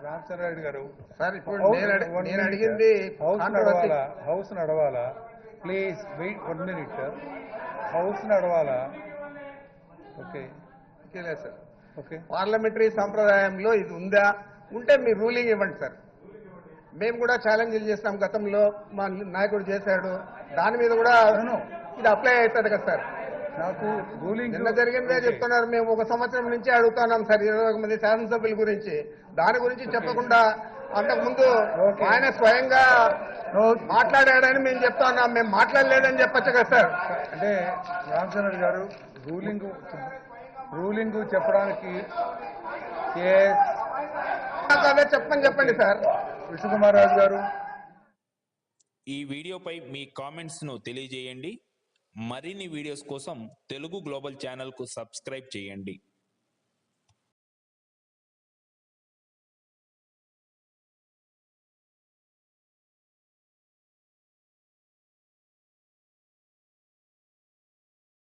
రామచంద్రారెడ్డి గారు సార్ ఇప్పుడు నేను అడిగింది హౌస్ నడవాలా ప్లీజ్ వెయిట్ 1 minute హౌస్ నడవాలా ఓకే సార్ ఓకే పార్లమెంటరీ సంప్రదాయంలో ఇది ఉందా ఉంటే మీరు రూలింగ్ ఇవ్వండి సార్ మేము కూడా ఛాలెంజ్లు చేస్తాం గతంలో మా నాయకుడు చేశాడు దాని మీద కూడా ఇది అప్లై అవుతుంది కదా సార్ నాకు రూలింగ్ నిన్న జరిగిందే చెప్తున్నారు మేము 1 సంవత్సరం నుంచి అడుగుతున్నాం సార్ 21 మంది శాసనసభ్యుల గురించి దాని గురించి చెప్పకుండా అంతకుముందు ఆయన స్వయంగా మాట్లాడాడని మేము చెప్తున్నాం మేము మాట్లాడలేదని చెప్పచ్చు కదా సార్ అంటే రామచంద్ర గారు రూలింగ్ చెప్పడానికి అదే చెప్పండి సార్ విష్ణుకుమార్ రాజు గారు ఈ వీడియోపై మీ కామెంట్స్ ను తెలియజేయండి. మరిన్ని వీడియోస్ కోసం తెలుగు గ్లోబల్ ఛానల్ కు సబ్స్క్రైబ్ చేయండి.